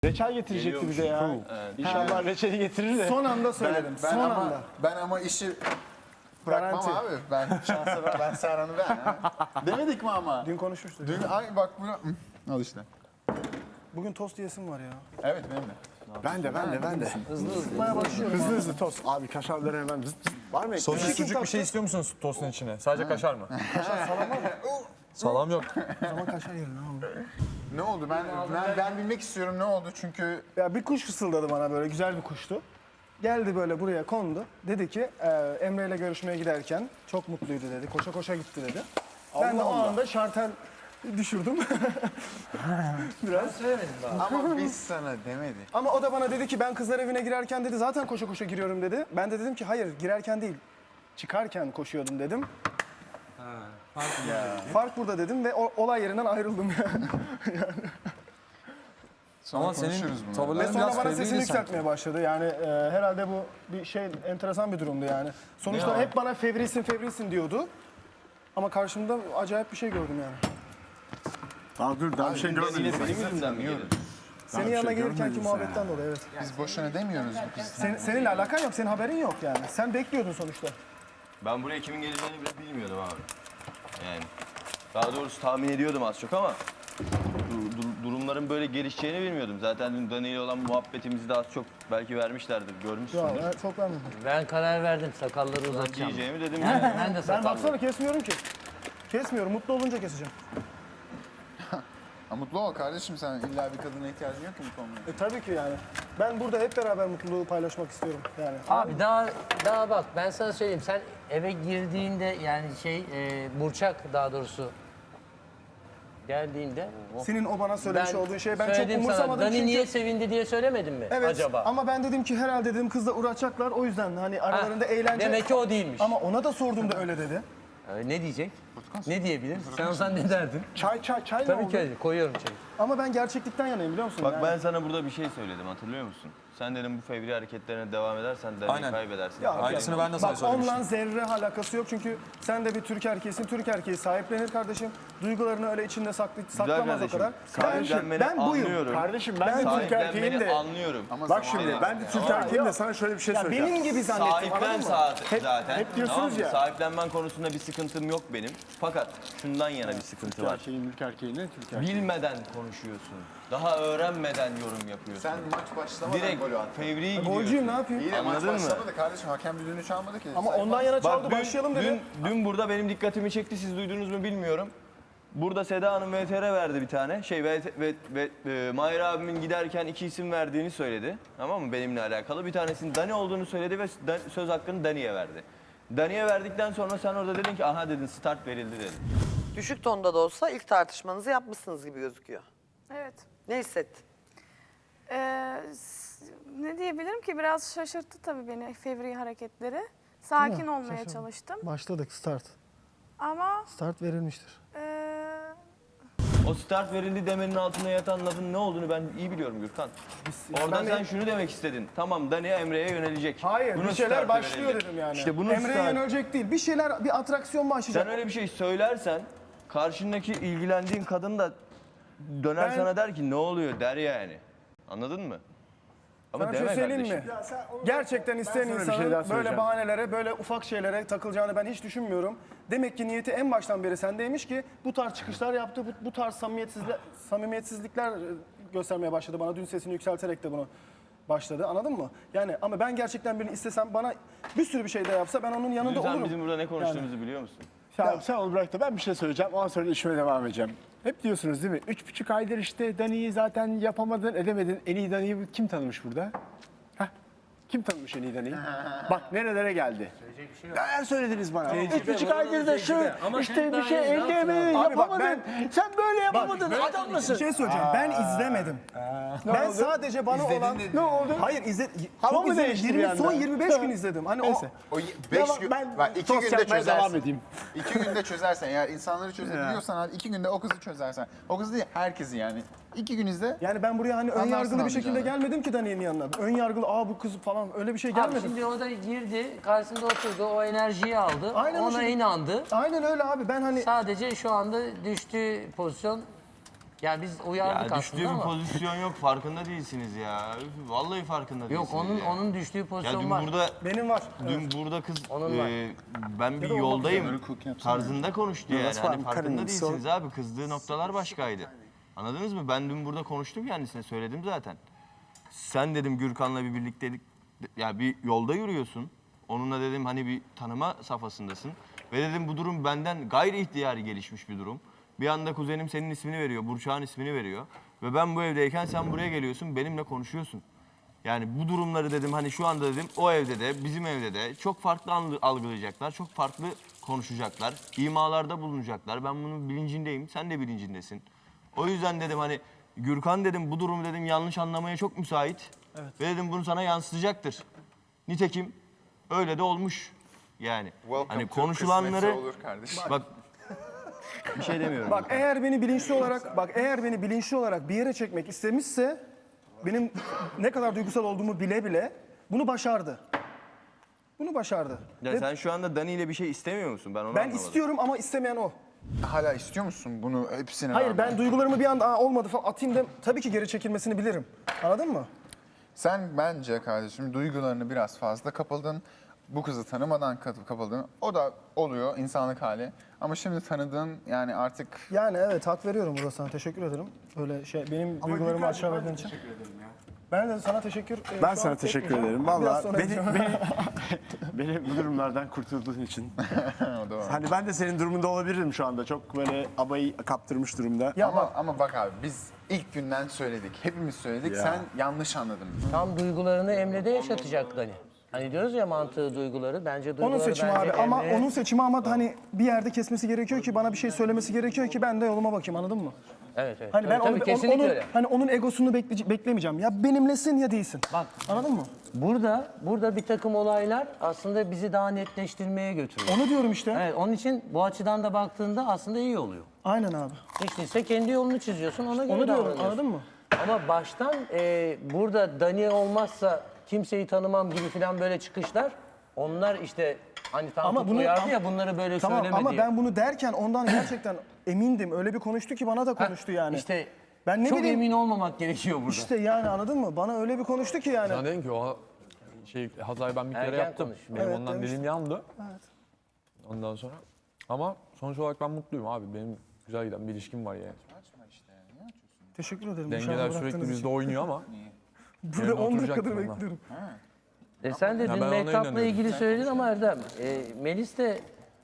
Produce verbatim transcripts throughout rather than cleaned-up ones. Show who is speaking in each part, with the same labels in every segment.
Speaker 1: Reçel getirecekti bize ya. Evet. İnşallah reçeli getirir de.
Speaker 2: Son anda söyledim.
Speaker 3: Ben, ben
Speaker 2: Son
Speaker 3: ama,
Speaker 2: anda.
Speaker 3: Ben ama işi bırakmam
Speaker 2: Garanti.
Speaker 3: abi. Ben şansa ben, ben Serhan'ı ben. Ha. Demedik mi ama?
Speaker 2: Dün konuşmuştuk.
Speaker 3: Dün ay bak bunu Hı, al işte.
Speaker 2: Bugün tost yesim var ya.
Speaker 3: Evet benim de.
Speaker 1: Ben de ben de ben de.
Speaker 2: Sıkmaya başlıyorum.
Speaker 1: Hızlı hızlı tost. Abi kaşarları hemen zıt zıt. Var mı?
Speaker 4: Sosis
Speaker 1: ekmeği?
Speaker 4: sucuk bir şey istiyor musunuz tostun içine? Sadece kaşar mı?
Speaker 2: Kaşar salam var mı?
Speaker 4: Salam yok.
Speaker 2: O zaman kaşar yiyelim abi.
Speaker 3: Ne oldu? Ben, ben ben bilmek istiyorum ne oldu çünkü
Speaker 2: Ya bir kuş fısıldadı bana böyle, güzel bir kuştu. Geldi böyle buraya kondu. Dedi ki e, Emre ile görüşmeye giderken çok mutluydu dedi. Koşa koşa gitti dedi. Ben de o anda şartel düşürdüm. Biraz.
Speaker 3: ama biz sana demedik.
Speaker 2: Ama o da bana dedi ki ben kızlar evine girerken dedi zaten koşa koşa giriyorum dedi. Ben de dedim ki hayır girerken değil çıkarken koşuyordum dedim. Fark burada dedim ve o, olay yerinden ayrıldım yani.
Speaker 3: Sonra
Speaker 4: Ama senin
Speaker 3: konuşuruz bunu.
Speaker 2: Ve
Speaker 4: tavırların
Speaker 2: sonra
Speaker 4: biraz
Speaker 2: bana
Speaker 4: fevriydi
Speaker 2: sesini
Speaker 4: sanki.
Speaker 2: yükseltmeye başladı. Yani e, herhalde bu bir şey enteresan bir durumdu yani. Sonuçta hep bana fevrisin fevrisin diyordu. Ama karşımda acayip bir şey gördüm yani.
Speaker 1: Daha dur daha bir şey görmedim.
Speaker 5: Yine benim yüzümden mi gelir?
Speaker 2: Senin
Speaker 1: bir
Speaker 2: yanına
Speaker 1: şey
Speaker 2: gelirkenki
Speaker 1: görmedin sen
Speaker 2: muhabbetten dolayı evet.
Speaker 3: Biz boşuna demiyoruz bu kız.
Speaker 2: Sen, seninle alakan yok, senin haberin yok yani. Sen bekliyordun sonuçta.
Speaker 5: Ben buraya kimin geleceğini bile bilmiyordum abi. Yani daha doğrusu tahmin ediyordum az çok ama du- du- durumların böyle gelişeceğini bilmiyordum. Zaten dün Dani ile olan muhabbetimizi de az çok belki vermişlerdir,
Speaker 2: Ya
Speaker 5: görmüşsündür.
Speaker 2: ben çok vermedim.
Speaker 6: Ben karar verdim sakalları uzatacağım.
Speaker 5: Diyeceğimi dedim
Speaker 6: Ben,
Speaker 5: yani.
Speaker 6: ben de
Speaker 2: Ben
Speaker 6: sakallı.
Speaker 2: baksana kesmiyorum ki. Kesmiyorum, mutlu olunca keseceğim.
Speaker 3: Ha, mutlu ol kardeşim sen illa bir kadına ihtiyacın yok ki bu konuda.
Speaker 2: E tabii ki yani. Ben burada hep beraber mutluluğu paylaşmak istiyorum yani.
Speaker 6: Abi daha daha bak ben sana söyleyeyim sen eve girdiğinde yani şey e, Burçak daha doğrusu geldiğinde oh,
Speaker 2: Senin o bana söylemiş olduğun şey ben çok
Speaker 6: söyledim sana,
Speaker 2: umursamadım
Speaker 6: Dani
Speaker 2: çünkü...
Speaker 6: niye sevindi diye söylemedin mi
Speaker 2: Evet
Speaker 6: acaba?
Speaker 2: ama ben dedim ki herhalde dedim kızla uğraşacaklar o yüzden hani aralarında eğlence...
Speaker 6: Demek ki o değilmiş.
Speaker 2: Ama ona da sordum da öyle dedi.
Speaker 6: Ee, ne diyecek? Ne diyebilir? Sen olsan ne derdin?
Speaker 2: Çay çay çay ne
Speaker 6: Tabii
Speaker 2: oldu?
Speaker 6: ki öyle, koyuyorum çayı.
Speaker 2: Ama ben gerçeklikten yanayım biliyor musun?
Speaker 5: Bak
Speaker 2: yani?
Speaker 5: ben sana burada bir şey söyledim, hatırlıyor musun? Sen dedim bu fevri hareketlerine devam edersen Dani'yi
Speaker 4: Aynen.
Speaker 5: kaybedersin.
Speaker 2: Ya,
Speaker 4: Aynısını ben de sana
Speaker 2: Bak
Speaker 4: söylemiştim.
Speaker 2: onunla zerre alakası yok çünkü sen de bir Türk erkeğisin. Türk erkeği sahiplenir kardeşim. Duygularını öyle içinde saklı, saklamaz o
Speaker 5: kardeşim,
Speaker 2: kadar.
Speaker 5: sahiplenmeni
Speaker 2: ben, ben buyum.
Speaker 5: anlıyorum.
Speaker 1: Kardeşim ben, de Türk
Speaker 5: Sahiplenmeni
Speaker 1: erkeğim de.
Speaker 5: anlıyorum.
Speaker 3: Ama
Speaker 1: Bak
Speaker 3: zaman-
Speaker 1: şimdi ben de Türk erkeğim de sana şöyle bir şey
Speaker 2: Ya
Speaker 1: söyleyeceğim.
Speaker 2: benim gibi zannettim
Speaker 5: Sahiplen
Speaker 2: anladın mı?
Speaker 5: saat
Speaker 1: Hep-
Speaker 5: zaten.
Speaker 1: hep diyorsunuz
Speaker 5: Tamam mı?
Speaker 1: ya.
Speaker 5: Sahiplenmen konusunda bir sıkıntım yok benim. Fakat şundan yana bir sıkıntı
Speaker 1: Türk
Speaker 5: var.
Speaker 1: erkeğin, Türk erkeğine Türk erkeği.
Speaker 5: Bilmeden konuşuyorsun. Daha öğrenmeden yorum yapıyorsun.
Speaker 3: Sen maç başlamadan
Speaker 5: Direkt
Speaker 3: golü attın.
Speaker 5: fevri
Speaker 2: Golcüyüm
Speaker 5: gidiyorsun.
Speaker 2: ne yapayım?
Speaker 3: İyi de maç
Speaker 5: Anladın mı?
Speaker 3: başlamadı kardeşim. Hakem düdüğünü çalmadı ki.
Speaker 2: Ama
Speaker 3: Sayfa-
Speaker 2: ondan yana çaldı
Speaker 5: Bak dün,
Speaker 2: başlayalım dedi.
Speaker 5: dün, dün burada benim dikkatimi çekti. Siz duydunuz mu bilmiyorum. Burada Seda Hanım V T R verdi bir tane. Şey ve, ve, ve e, Mahir abimin giderken iki isim verdiğini söyledi. Tamam mı? Benimle alakalı. Bir tanesinin Dani olduğunu söyledi ve Dan- söz hakkını Dani'ye verdi. Dani'ye verdikten sonra sen orada dedin ki aha dedin start verildi dedin.
Speaker 7: Düşük tonda da olsa ilk tartışmanızı yapmışsınız gibi gözüküyor.
Speaker 8: Evet.
Speaker 7: Ne hissettin?
Speaker 8: Ee, s- ne diyebilirim ki biraz şaşırttı tabii beni fevri hareketleri. Sakin olmaya
Speaker 2: Şaşırdım.
Speaker 8: çalıştım
Speaker 2: Başladık start.
Speaker 8: ama
Speaker 2: Start verilmiştir.
Speaker 8: ee,
Speaker 5: O start verildi demenin altında yatan lafın ne olduğunu ben iyi biliyorum Gürkan. Orada
Speaker 2: ben de-
Speaker 5: sen şunu demek istedin. Tamam Dani Emre'ye yönelecek.
Speaker 2: Hayır
Speaker 5: Bunun
Speaker 2: bir şeyler
Speaker 5: startı
Speaker 2: başlıyor
Speaker 5: verildi.
Speaker 2: dedim yani.
Speaker 5: İşte bunun
Speaker 2: Emre'ye
Speaker 5: start-
Speaker 2: yönelecek değil. Bir şeyler, bir atraksiyon başlayacak.
Speaker 5: Sen öyle bir şey söylersen karşındaki ilgilendiğin kadın da döner
Speaker 2: Ben-
Speaker 5: sana der ki ne oluyor der yani. Anladın mı? Ama
Speaker 2: Sana bir
Speaker 5: deme
Speaker 2: şey söyleyeyim mi?
Speaker 5: kardeşim.
Speaker 2: Gerçekten isteyen
Speaker 1: sana bir şey
Speaker 2: insanın
Speaker 1: daha
Speaker 2: böyle
Speaker 1: söyleyeceğim.
Speaker 2: bahanelere, böyle ufak şeylere takılacağını ben hiç düşünmüyorum. Demek ki niyeti en baştan beri sendeymiş ki bu tarz çıkışlar yaptı, bu, bu tarz samimiyetsizlikler, samimiyetsizlikler e, göstermeye başladı bana. Dün sesini yükselterek de bunu başladı, anladın mı? Yani ama ben gerçekten birini istesem bana bir sürü bir şey de yapsa ben onun yanında
Speaker 5: Dün sen
Speaker 2: olurum.
Speaker 5: bizim burada ne konuştuğumuzu biliyor musun?
Speaker 1: Sen, sen onu bırak da ben bir şey söyleyeceğim. Ondan sonra işime devam edeceğim. Hep diyorsunuz değil mi? Üç buçuk aydır işte Dani'yi zaten yapamadın, edemedin. En iyi Dani'yi kim tanımış burada? Hah? Kim tanımış en iyi Dani'yi? Bak nerelere geldi. Neler söylediniz bana? Üç buçuk aydır da şu işte bir şey elde edemedin,
Speaker 2: Abi bak
Speaker 1: yapamadın.
Speaker 2: ben-
Speaker 1: Sen böyle yapamadın, adam
Speaker 2: Bir
Speaker 1: mısın?
Speaker 2: şey söyleyeceğim. Ben izlemedim. ben
Speaker 1: oldu?
Speaker 2: sadece bana olan
Speaker 1: Ne oldu?
Speaker 2: Hayır izle
Speaker 1: Hava
Speaker 2: çok
Speaker 1: mı
Speaker 2: izledim.
Speaker 1: değişti bir
Speaker 2: yirmi
Speaker 1: anda?
Speaker 2: son yirmi beş gün izledim. Hani
Speaker 1: Neyse.
Speaker 3: O
Speaker 1: Ya
Speaker 3: beş
Speaker 1: bak,
Speaker 3: gün,
Speaker 1: ben
Speaker 3: bak iki
Speaker 1: tost
Speaker 3: günde
Speaker 1: yapmaya
Speaker 3: çözersin.
Speaker 1: devam edeyim.
Speaker 3: İki günde çözersen eğer insanları çözebiliyorsan abi iki günde o kızı çözersen. O kızı değil herkesi yani. İki gün izle.
Speaker 2: o yani ben buraya hani ön
Speaker 3: Anlarsın
Speaker 2: yargılı bir şekilde
Speaker 3: anlayacağını.
Speaker 2: gelmedim ki Dani'nin yanına. Ön yargılı aa bu kız falan öyle bir şey
Speaker 6: Abi
Speaker 2: gelmedim.
Speaker 6: şimdi o da girdi, karşısında oturdu, o enerjiyi aldı,
Speaker 2: Aynen o
Speaker 6: ona
Speaker 2: şekilde.
Speaker 6: inandı.
Speaker 2: Aynen öyle abi ben hani
Speaker 6: Sadece şu anda düştüğü pozisyon Yani biz
Speaker 5: Ya
Speaker 6: uyardık
Speaker 5: düştüğü
Speaker 6: aslında
Speaker 5: bir
Speaker 6: ama.
Speaker 5: pozisyon yok. Farkında değilsiniz ya. Üf, Vallahi farkında değilsiniz.
Speaker 6: Yok onun
Speaker 5: ya.
Speaker 6: onun düştüğü
Speaker 5: Ya
Speaker 6: pozisyon
Speaker 5: dün
Speaker 6: var.
Speaker 5: burada
Speaker 2: Benim var.
Speaker 5: dün burada kız
Speaker 6: Onun var.
Speaker 5: e, ben bir
Speaker 2: da olmak
Speaker 5: yoldayım
Speaker 3: üzere. Cook yapsana.
Speaker 5: tarzında konuştu yani.
Speaker 1: that's
Speaker 5: Hani
Speaker 1: fine.
Speaker 5: farkında
Speaker 1: Karin,
Speaker 5: değilsiniz
Speaker 1: so-
Speaker 5: abi. Kızdığı noktalar başkaydı. Anladınız mı? Ben dün burada konuştum kendisine söyledim zaten. Sen dedim Gürkan'la bir birliktelik ya bir yolda yürüyorsun. Onunla dedim hani bir tanıma safhasındasın. Ve dedim bu durum benden gayri ihtiyari gelişmiş bir durum. Bir anda kuzenim senin ismini veriyor, Burçak'ın ismini veriyor. Ve ben bu evdeyken sen buraya geliyorsun, benimle konuşuyorsun. Yani bu durumları dedim hani şu anda dedim o evde de bizim evde de çok farklı anlı- algılayacaklar, çok farklı konuşacaklar, imalarda bulunacaklar. Ben bunun bilincindeyim, sen de bilincindesin. O yüzden dedim hani Gürkan dedim bu durum dedim yanlış anlamaya çok müsait. Ve dedim bunu sana yansıtacaktır. Nitekim öyle de olmuş yani.
Speaker 3: Welcome
Speaker 5: Hani
Speaker 3: to
Speaker 5: konuşulanları
Speaker 3: kısmetse olur kardeşim.
Speaker 5: bak bir şey demiyorum.
Speaker 2: Bak eğer beni bilinçli olarak bak eğer beni bilinçli olarak bir yere çekmek istemişse benim ne kadar duygusal olduğumu bile bile bunu başardı. Bunu başardı.
Speaker 5: Ya
Speaker 2: Ve
Speaker 5: sen şu anda Dani ile bir şey istemiyor musun? Ben onu
Speaker 2: ben
Speaker 5: anlamadım.
Speaker 2: istiyorum ama istemeyen o.
Speaker 3: Hala istiyor musun bunu hepsine
Speaker 2: Hayır
Speaker 3: rağmen?
Speaker 2: ben duygularımı bir anda "Aa, olmadı falan atayım da tabii ki geri çekilmesini bilirim. Anladın mı?
Speaker 3: Sen bence kardeşim duygularını biraz fazla kapıldın. Bu kızı tanımadan kat- kapıldın. O da oluyor insanlık hali. Ama şimdi tanıdığın yani artık
Speaker 2: Yani evet hak veriyorum burada sana. Teşekkür ederim. Böyle şey benim duygularımı aşağı verdiğin için. Ben de sana teşekkür ederim.
Speaker 1: Ben sana teşekkür ederim. Vallahi beni,
Speaker 2: edeceğim.
Speaker 1: beni, beni bu durumlardan kurtulduğun için.
Speaker 3: o da var.
Speaker 1: Hani ben de senin durumunda olabilirim şu anda. Çok böyle abayı kaptırmış durumda.
Speaker 2: Ya
Speaker 3: ama,
Speaker 2: bak
Speaker 3: ama bak abi biz ilk günden söyledik. Hepimiz söyledik.
Speaker 1: Ya.
Speaker 3: Sen yanlış anladın.
Speaker 6: Tam duygularını Emre'de yaşatacak Dani. Hani diyoruz ya mantığı duyguları. Bence duyguları
Speaker 2: onun seçimi
Speaker 6: bence
Speaker 2: abi ama
Speaker 6: Emre'ye-
Speaker 2: onun seçimi ama hani bir yerde kesmesi gerekiyor ki bana bir şey söylemesi gerekiyor ki ben de yoluma bakayım anladın mı?
Speaker 6: Evet evet.
Speaker 2: Hani ben
Speaker 6: Tabii,
Speaker 2: onu,
Speaker 6: tabii,
Speaker 2: on-
Speaker 6: kesinlikle
Speaker 2: onun
Speaker 6: öyle.
Speaker 2: hani onun egosunu bekleye- beklemeyeceğim. Ya benimlesin ya değilsin.
Speaker 6: Bak
Speaker 2: Anladın mı?
Speaker 6: burada burada bir takım olaylar aslında bizi daha netleştirmeye götürüyor.
Speaker 2: Onu diyorum işte.
Speaker 6: Evet, onun için bu açıdan da baktığında aslında iyi oluyor.
Speaker 2: Aynen abi.
Speaker 6: Hiç değilse kendi yolunu çiziyorsun, ona göre
Speaker 2: Onu diyorum
Speaker 6: davranıyorsun.
Speaker 2: anladın mı?
Speaker 6: Ama baştan e, burada Dani olmazsa kimseyi tanımam gibi falan böyle çıkışlar, onlar işte hani Tankut
Speaker 2: Ama bunu-
Speaker 6: uyardı
Speaker 2: ama-
Speaker 6: ya bunları böyle
Speaker 2: Tamam
Speaker 6: söyleme
Speaker 2: ama
Speaker 6: diye.
Speaker 2: ben bunu derken ondan gerçekten emindim. Öyle bir konuştu ki bana da konuştu yani.
Speaker 6: İşte
Speaker 2: Ben ne
Speaker 6: çok
Speaker 2: bileyim-
Speaker 6: emin olmamak gerekiyor burada.
Speaker 2: İşte yani anladın mı? Bana öyle bir konuştu ki yani.
Speaker 9: Sen dedin ki o şey hatayı ben bir kere
Speaker 6: Erken
Speaker 9: yaptım.
Speaker 6: konuş.
Speaker 9: Benim
Speaker 2: Evet,
Speaker 9: ondan
Speaker 2: demiştin.
Speaker 9: dilim yandı. Ondan sonra. Ama sonuç olarak ben mutluyum abi. Benim güzel giden bir ilişkim var yani.
Speaker 2: Teşekkür ederim.
Speaker 9: Dengeler
Speaker 2: dışarıda
Speaker 9: sürekli
Speaker 2: bıraktığınız
Speaker 9: bizde
Speaker 2: için.
Speaker 9: oynuyor ama.
Speaker 2: Burada
Speaker 9: yerine
Speaker 2: on dakikadır
Speaker 9: oturacaktım onlar.
Speaker 2: bekliyorum.
Speaker 6: E sen de
Speaker 9: Ya
Speaker 6: dün
Speaker 9: ben ona
Speaker 6: Mehtap'la
Speaker 9: inanıyorum.
Speaker 6: ilgili söyledin ama Erdem, e, Melis de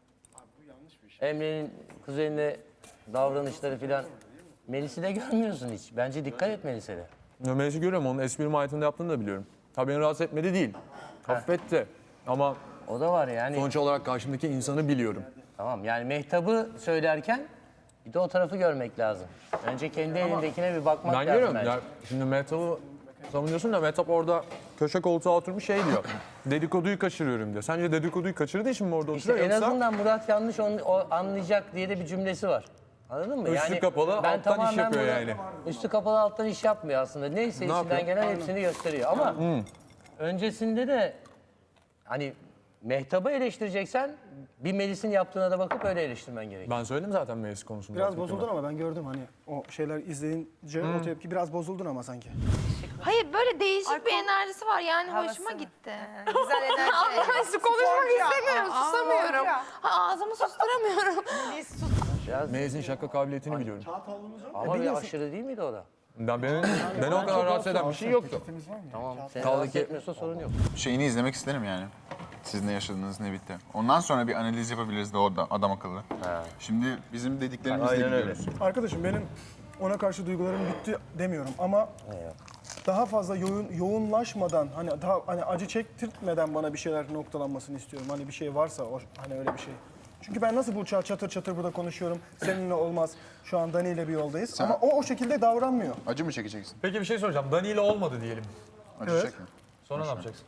Speaker 6: Emre'nin kuzenine davranışları filan. Melis'i de görmüyorsun hiç. Bence dikkat et Melis'e de.
Speaker 9: Nömerisi görüyorum. Onun espri mahiyetinde yaptığını da biliyorum. Tabii beni rahatsız etmedi değil. Affetti. Ama
Speaker 6: O da var yani.
Speaker 9: sonuç olarak karşımdaki insanı biliyorum.
Speaker 6: Tamam yani Mehtap'ı söylerken bir de o tarafı görmek lazım. Önce kendi elindekine bir bakmak
Speaker 9: Ben
Speaker 6: lazım
Speaker 9: görüyorum.
Speaker 6: bence.
Speaker 9: Ya, şimdi Mehtap'ı savunuyorsun da Mehtap orada köşe koltuğa oturmuş şey diyor. Dedikoduyu kaçırıyorum diyor. Sence dedikoduyu kaçırdığı için mi orada
Speaker 6: İşte
Speaker 9: oturuyor
Speaker 6: en
Speaker 9: yoksa?
Speaker 6: azından Murat yanlış onu, o anlayacak diye de bir cümlesi var. Anladın mı?
Speaker 9: Üstü kapalı, alttan iş
Speaker 6: tamamen
Speaker 9: yapıyor
Speaker 6: burada-
Speaker 9: yani.
Speaker 6: Üstü kapalı alttan iş yapmıyor aslında. Neyse içinden
Speaker 9: yapıyor?
Speaker 6: gelen hepsini gösteriyor. Ama öncesinde de hani Mehtap'ı eleştireceksen bir Melis'in yaptığına da bakıp öyle eleştirmen gerekiyor.
Speaker 9: Ben söyledim zaten meclis konusunda.
Speaker 2: Biraz bozuldun ama ben gördüm hani o şeyler izleyince o tepki biraz bozuldun ama sanki.
Speaker 10: Hayır böyle değişik bir enerjisi var yani hoşuma gitti.
Speaker 7: Güzel enerji.
Speaker 10: Ama ben su konuşmak istemiyorum, susamıyorum. Ha, ağzımı susturamıyorum.
Speaker 9: Melis'in şaka kabiliyetini biliyorum.
Speaker 6: Ama bir aşırı değil miydi o da?
Speaker 9: Ben beni, beni o kadar rahatsız eden bir şey yoktu.
Speaker 6: Tamam. Seni
Speaker 9: Kaldı
Speaker 6: rahatsız
Speaker 9: ki-
Speaker 6: etmiyorsa sorun yok.
Speaker 3: Şeyini izlemek isterim yani. Siz ne yaşadınız ne bitti. Ondan sonra bir analiz yapabiliriz de orada adam akıllı. Şimdi bizim dediklerimizle
Speaker 5: Aynen öyle.
Speaker 3: gidiyoruz.
Speaker 2: Arkadaşım benim ona karşı duygularım bitti demiyorum ama daha fazla yoğun, yoğunlaşmadan hani daha hani acı çektirtmeden bana bir şeyler noktalanmasını istiyorum. Hani bir şey varsa o, hani öyle bir şey. Çünkü ben nasıl Burçak'a çatır çatır burada konuşuyorum. Seninle olmaz. Şu an Dani ile bir yoldayız. Ama o o şekilde davranmıyor.
Speaker 3: Acı mı çekeceksin?
Speaker 9: Peki bir şey soracağım. Dani ile olmadı diyelim.
Speaker 3: Acı
Speaker 2: Evet.
Speaker 3: çekme.
Speaker 9: Sonra ne yapacaksın?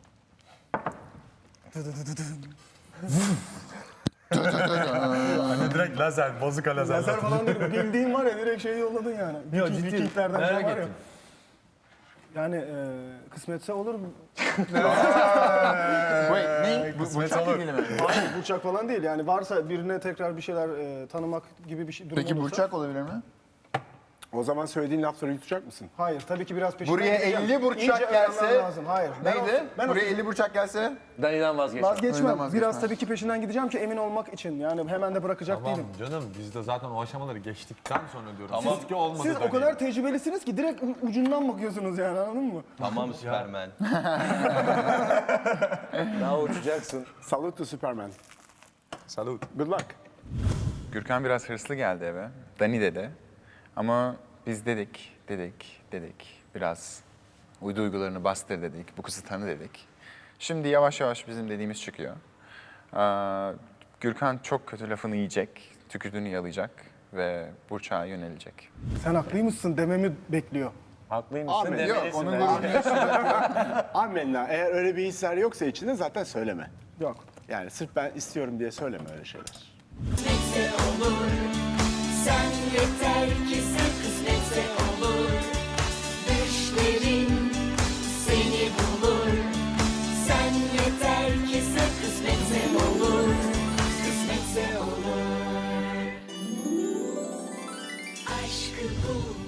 Speaker 9: Hani direkt lazer, bazuka lazer.
Speaker 2: Lazer falan değil. Bildiğin var ya direkt şeyi yolladın yani.
Speaker 9: Yok,
Speaker 2: Viking-
Speaker 9: ciddi.
Speaker 2: Vikinglerden
Speaker 9: Merak
Speaker 2: şey var ya.
Speaker 9: ettim.
Speaker 2: Yani e, kısmetse olur mu?
Speaker 3: Wait, ne? Bu, bu çok ilgili mi?
Speaker 2: Hayır Burçak falan değil. Yani varsa birine tekrar bir şeyler e, tanımak gibi bir şey durum
Speaker 3: Peki
Speaker 2: olursa.
Speaker 3: Burçak olabilir mi?
Speaker 1: O zaman söylediğin lafları yutacak mısın?
Speaker 2: Hayır, tabii ki biraz peşinden
Speaker 3: Buraya
Speaker 2: gideceğim.
Speaker 3: elli burçak
Speaker 2: İyice öğrenmem
Speaker 3: gelse
Speaker 2: lazım. Hayır. Ben o-
Speaker 3: neydi?
Speaker 2: ben o
Speaker 3: Buraya
Speaker 2: sözü
Speaker 3: elli burçak gelse
Speaker 6: Dani'den vazgeçme.
Speaker 2: vazgeçmem.
Speaker 3: Önden vazgeçmem.
Speaker 2: Biraz tabii ki peşinden gideceğim ki emin olmak için. Yani hemen de bırakacak
Speaker 9: Tamam
Speaker 2: değilim.
Speaker 9: canım biz de zaten o aşamaları geçtikten sonra diyorum.
Speaker 5: Tamam.
Speaker 9: Siz ki olmadı
Speaker 2: Siz o
Speaker 9: Dani.
Speaker 2: kadar tecrübelisiniz ki direkt u- ucundan bakıyorsunuz yani, anladın mı?
Speaker 5: Tamam Süpermen.
Speaker 6: Daha uçacaksın.
Speaker 1: Salute to Superman.
Speaker 9: Salut.
Speaker 1: Good luck.
Speaker 3: Gürkan biraz hırslı geldi eve. Dani dedi. Ama biz dedik, dedik, dedik. Biraz uy duygularını bastır dedik. Bu kızı tanı dedik. Şimdi yavaş yavaş bizim dediğimiz çıkıyor. Aa, Gürkan çok kötü lafını yiyecek, tükürdüğünü yalayacak ve Burçak'a yönelecek.
Speaker 2: Sen haklıymışsın dememi bekliyor.
Speaker 6: Haklıymışsın
Speaker 1: Amin.
Speaker 6: demelisin.
Speaker 3: Yok, onun
Speaker 6: bence.
Speaker 1: Amenna. Eğer öyle bir hisler yoksa içinde zaten söyleme.
Speaker 2: Yok.
Speaker 1: Yani sırf ben istiyorum diye söyleme öyle şeyler.
Speaker 11: Kısmetse olur. Sen yeter ki sen kısmetse olur. Düşlerin seni bulur. Sen yeter ki sen kısmetse olur. Kısmetse olur. Aşkı bul.